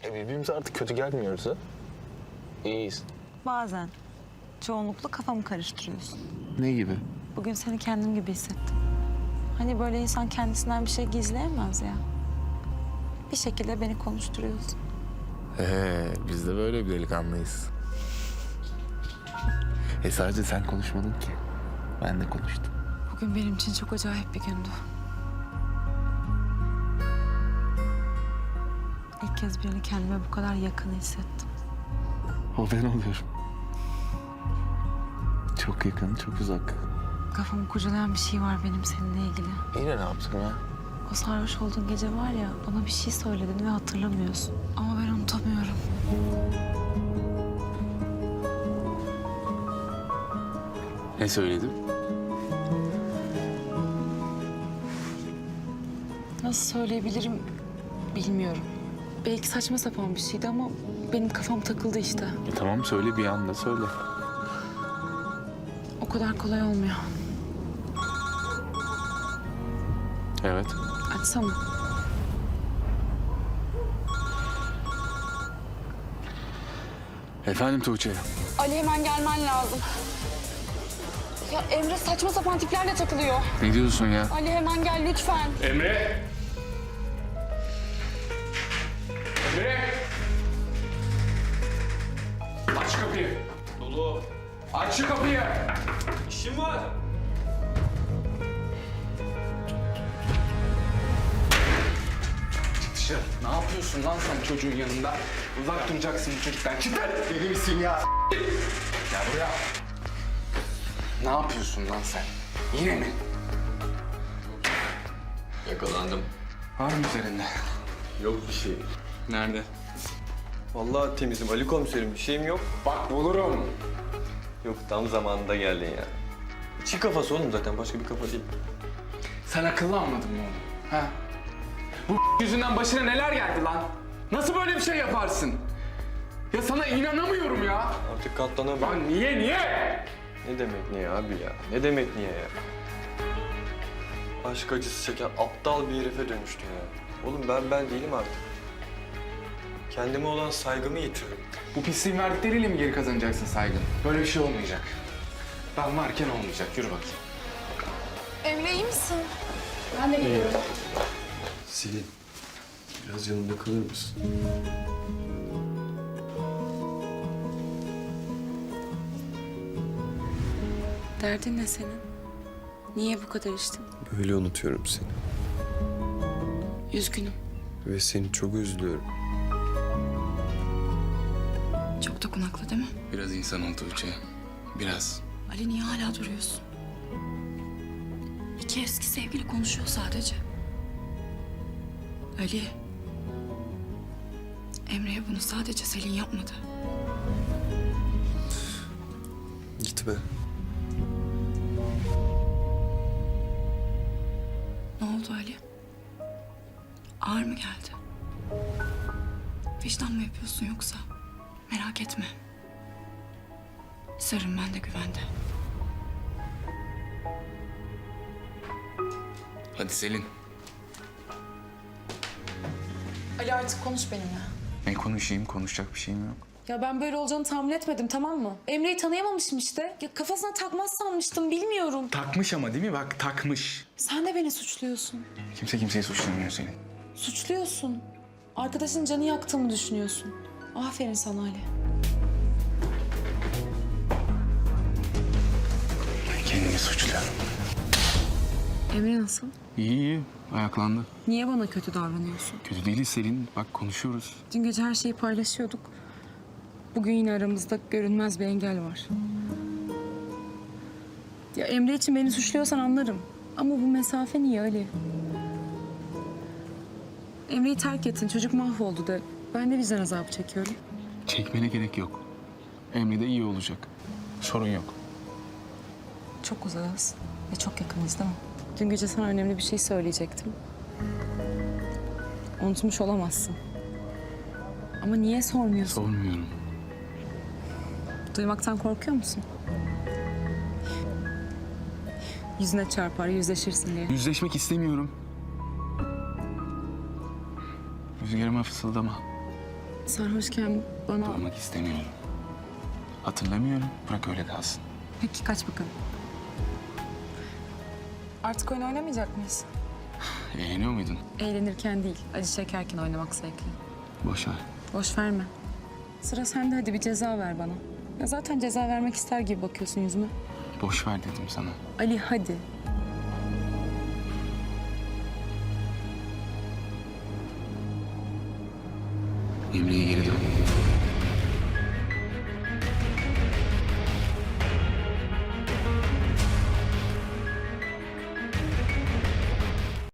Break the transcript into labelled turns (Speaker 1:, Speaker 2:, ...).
Speaker 1: Birbirimize artık kötü gelmiyoruz ha. İyiyiz.
Speaker 2: Bazen. Çoğunlukla kafamı karıştırıyorsun.
Speaker 1: Ne gibi?
Speaker 2: Bugün seni kendim gibi hissettim. Hani böyle insan kendisinden bir şey gizleyemez ya. Bir şekilde beni konuşturuyorsun.
Speaker 1: Biz de böyle bir delikanlıyız. Sadece sen konuşmadın ki. Ben de konuştum.
Speaker 2: Bugün benim için çok acayip bir gündü. İlk kez birini kendime bu kadar yakın hissettim.
Speaker 1: O ben oluyorum. Çok yakın, çok uzak.
Speaker 2: Kafamı kurcalayan bir şey var benim seninle ilgili.
Speaker 1: Yine ne yaptım ya?
Speaker 2: O sarhoş olduğun gece var ya, bana bir şey söyledin ve hatırlamıyorsun. Ama ben unutamıyorum.
Speaker 1: Ne söyledim?
Speaker 2: Nasıl söyleyebilirim bilmiyorum. Belki saçma sapan bir şeydi ama benim kafam takıldı işte.
Speaker 1: Tamam söyle, bir anda söyle.
Speaker 2: O kadar kolay olmuyor.
Speaker 1: Evet.
Speaker 2: Açsana.
Speaker 1: Efendim Tuğçe.
Speaker 3: Ali hemen gelmen lazım. Ya Emre saçma sapan tiplerle takılıyor.
Speaker 1: Ne diyorsun ya?
Speaker 3: Ali hemen gel lütfen.
Speaker 4: Emre! Emre! Aç kapıyı. Dolu. Aç şu kapıyı. İşim var. Çık dışarı. Ne yapıyorsun lan sen çocuğun yanında? Uzak duracaksın bu çocuktan. Çık lan. Deli misin ya? Gel buraya. Ne yapıyorsun lan sen? Yine mi?
Speaker 5: Yakalandım.
Speaker 4: Var mı üzerinde?
Speaker 5: Yok bir şey.
Speaker 4: Nerede?
Speaker 5: Vallahi temizim Ali komiserim, bir şeyim yok.
Speaker 4: Bak bulurum.
Speaker 5: Yok, tam zamanında geldin ya. Çiğ kafası oğlum, zaten başka bir kafa değil.
Speaker 4: Sen akıllı almadın mı oğlum? Ha? Bu yüzünden başına neler geldi lan? Nasıl böyle bir şey yaparsın? Ya sana inanamıyorum ya.
Speaker 5: Artık katlanamıyorum.
Speaker 4: Lan niye?
Speaker 5: Ne demek niye abi ya? Ne demek niye ya? Aşk acısı çeken aptal bir herife dönüştün ya. Oğlum ben değilim artık. Kendime olan saygımı yitiririm.
Speaker 4: Bu pisliğin verdikleriyle mi geri kazanacaksın saygın? Böyle bir şey olmayacak. Ben varken olmayacak. Yürü bakayım.
Speaker 3: Emre iyi misin? Ben de geliyorum.
Speaker 5: Selin, biraz yanımda kalır mısın?
Speaker 2: Derdin ne senin? Niye bu kadar içtin?
Speaker 5: Böyle unutuyorum seni.
Speaker 2: Üzgünüm.
Speaker 5: Ve seni çok üzülüyorum.
Speaker 3: Çok dokunaklı değil mi?
Speaker 4: Biraz insan ol Tuğçe. Biraz.
Speaker 3: Ali niye hala duruyorsun? İki eski sevgili konuşuyor sadece. Ali. Emre'ye bunu sadece Selin yapmadı.
Speaker 5: Gitme.
Speaker 3: Ne oldu Ali? Ağır mı geldi? Vicdan mı yapıyorsun yoksa? Merak etme. Sırrım bende, güvende.
Speaker 4: Hadi Selin.
Speaker 6: Ali artık konuş benimle.
Speaker 4: Ne konuşayım? Konuşacak bir şeyim yok.
Speaker 6: Ya ben böyle olacağını tahmin etmedim, tamam mı? Emre'yi tanıyamamışım işte. Ya kafasına takmaz sanmıştım, bilmiyorum.
Speaker 4: Takmış ama değil mi? Bak takmış.
Speaker 6: Sen de beni suçluyorsun.
Speaker 4: Kimse kimseyi suçlamıyor Selin.
Speaker 6: Suçluyorsun. Arkadaşın canı yaktığımı düşünüyorsun. Aferin sana Ali.
Speaker 4: Ben kendimi suçluyorum.
Speaker 2: Emre nasıl?
Speaker 4: İyi. Ayaklandı.
Speaker 2: Niye bana kötü davranıyorsun?
Speaker 4: Kötü değiliz Selin. Bak konuşuyoruz.
Speaker 2: Dün gece her şeyi paylaşıyorduk. Bugün yine aramızda görünmez bir engel var. Ya Emre için beni suçluyorsan anlarım. Ama bu mesafe niye Ali? Emre'yi terk ettin, çocuk mahvoldu de. Ben de vicdan azabı çekiyorum.
Speaker 4: Çekmene gerek yok. Emre de iyi olacak. Sorun yok.
Speaker 2: Çok uzağız ve çok yakınız değil mi? Dün gece sana önemli bir şey söyleyecektim. Unutmuş olamazsın. Ama niye sormuyorsun?
Speaker 4: Sormuyorum.
Speaker 2: Duymaktan korkuyor musun? Yüzüne çarpar, yüzleşirsin diye.
Speaker 4: Yüzleşmek istemiyorum. Rüzgarıma fısıldama.
Speaker 6: Sarhoşken bana...
Speaker 1: Duymak istemiyorum. Hatırlamıyorum. Bırak öyle kalsın.
Speaker 6: Peki kaç bakalım. Artık oyun oynamayacak mıyız?
Speaker 1: Eğleniyor muydun?
Speaker 6: Eğlenirken değil, acı çekerken oynamak zevkli.
Speaker 1: Boş ver.
Speaker 6: Boş verme. Sıra sende, hadi bir ceza ver bana. Ya zaten ceza vermek ister gibi bakıyorsun yüzüme.
Speaker 1: Boş ver dedim sana.
Speaker 6: Ali hadi.
Speaker 1: Emre'ye geri dön.